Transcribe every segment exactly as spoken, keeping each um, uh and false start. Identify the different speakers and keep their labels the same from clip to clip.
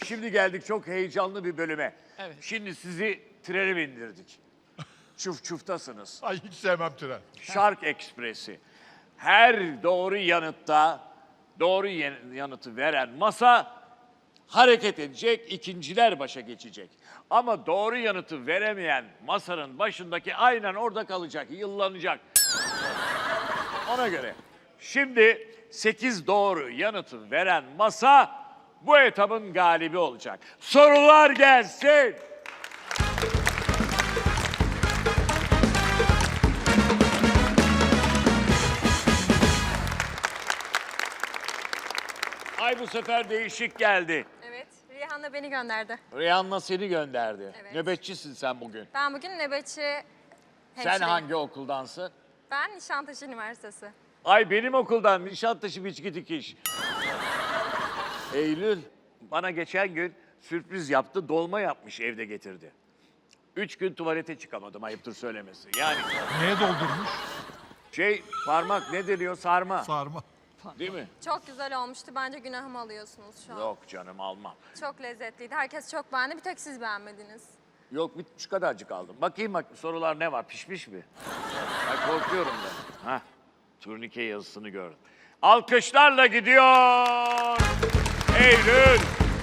Speaker 1: şimdi geldik çok heyecanlı bir bölüme.
Speaker 2: Evet.
Speaker 1: Şimdi sizi trene bindirdik. Çuf çuftasınız.
Speaker 3: Ay hiç sevmem tren.
Speaker 1: Şark Ekspresi. Her doğru yanıtta doğru yan- yanıtı veren masa hareket edecek, ikinciler başa geçecek. Ama doğru yanıtı veremeyen masanın başındaki aynen orada kalacak, yıllanacak. Ona göre. Şimdi sekiz doğru yanıtı veren masa bu etabın galibi olacak. Sorular gelsin. Ay bu sefer değişik geldi.
Speaker 4: Evet, Rihanna beni gönderdi.
Speaker 1: Rihanna seni gönderdi.
Speaker 4: Evet.
Speaker 1: Nöbetçisin sen bugün.
Speaker 4: Ben bugün nöbetçi
Speaker 1: Sen
Speaker 4: hemşireyim.
Speaker 1: hangi okuldansın?
Speaker 4: Ben Nişantaşı Üniversitesi.
Speaker 1: Ay benim okuldan Nişantaşı Biçki Dikiş. Eylül bana geçen gün sürpriz yaptı, dolma yapmış evde getirdi. Üç gün tuvalete çıkamadım ayıptır söylemesi. Yani
Speaker 3: Neye doldurmuş?
Speaker 1: şey parmak ne deniyor sarma
Speaker 3: Sarma.
Speaker 1: değil mi?
Speaker 4: Çok güzel olmuştu. Bence günahımı alıyorsunuz şu an.
Speaker 1: Yok canım almam.
Speaker 4: Çok lezzetliydi. Herkes çok beğendi. Bir tek siz beğenmediniz.
Speaker 1: Yok bir şu kadarcık aldım. Bakayım bak sorular ne var pişmiş mi? Ay korkuyorum ben. Hah turnike yazısını gördüm. Alkışlarla gidiyor. Eylül.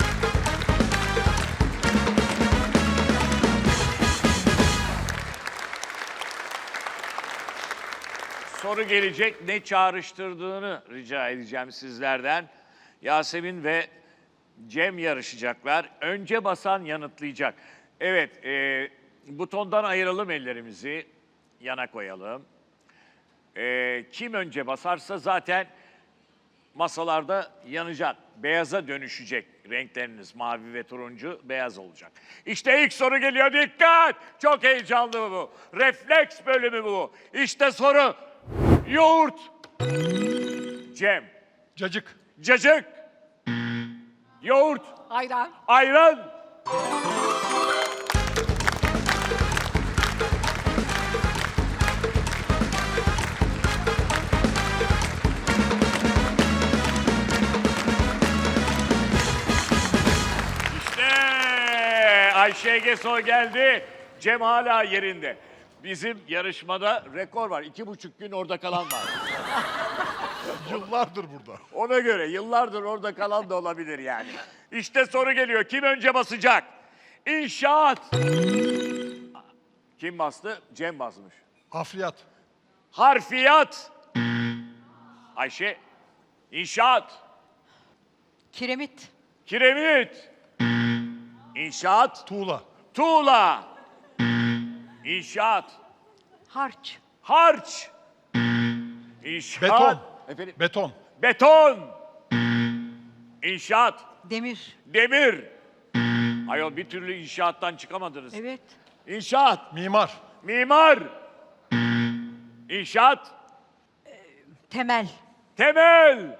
Speaker 1: Soru gelecek. Ne çağrıştırdığını rica edeceğim sizlerden. Yasemin ve Cem yarışacaklar. Önce basan yanıtlayacak. Evet, e, butondan ayıralım ellerimizi. Yana koyalım. E, kim önce basarsa zaten masalarda yanacak. Beyaza dönüşecek renkleriniz. Mavi ve turuncu beyaz olacak. İşte ilk soru geliyor. Dikkat! Çok heyecanlı bu. Refleks bölümü bu. İşte soru. Yoğurt. Cem.
Speaker 3: Cacık.
Speaker 1: Cacık. Yoğurt.
Speaker 2: Ayran.
Speaker 1: Ayran. İşte Ayşe Geso geldi. Cem hala yerinde. Bizim yarışmada rekor var. İki buçuk gün orada kalan var.
Speaker 3: Yıllardır burada.
Speaker 1: Ona göre yıllardır orada kalan da olabilir yani. İşte soru geliyor. Kim önce basacak? İnşaat. Kim bastı? Cem basmış.
Speaker 3: Hafriyat.
Speaker 1: Harfiyat. Ayşe. İnşaat.
Speaker 2: Kiremit.
Speaker 1: Kiremit. İnşaat.
Speaker 3: Tuğla.
Speaker 1: Tuğla. İnşaat.
Speaker 2: Harç.
Speaker 1: Harç. İnşaat.
Speaker 3: Beton.
Speaker 1: Efendim?
Speaker 3: Beton.
Speaker 1: Beton. İnşaat.
Speaker 2: Demir.
Speaker 1: Demir. Ayol bir türlü inşaattan çıkamadınız.
Speaker 2: Evet.
Speaker 1: İnşaat.
Speaker 3: Mimar.
Speaker 1: Mimar. İnşaat.
Speaker 2: Temel.
Speaker 1: Temel.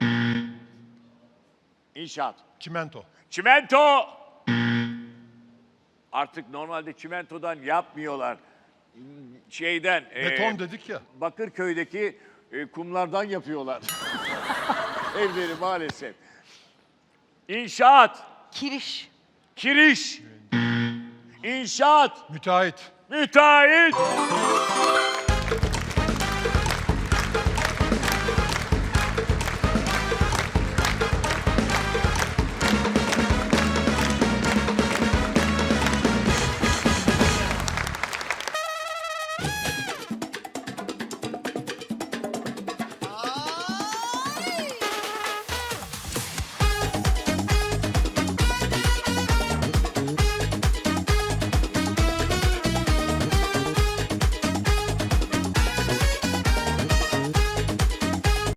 Speaker 1: İnşaat.
Speaker 3: Çimento.
Speaker 1: Çimento. Artık normalde çimentodan yapmıyorlar. Şeyden. e,
Speaker 3: Beton dedik ya.
Speaker 1: Bakırköy'deki e, kumlardan yapıyorlar. Evleri maalesef. İnşaat.
Speaker 2: Kiriş.
Speaker 1: Kiriş. İnşaat.
Speaker 3: Müteahhit.
Speaker 1: Müteahhit.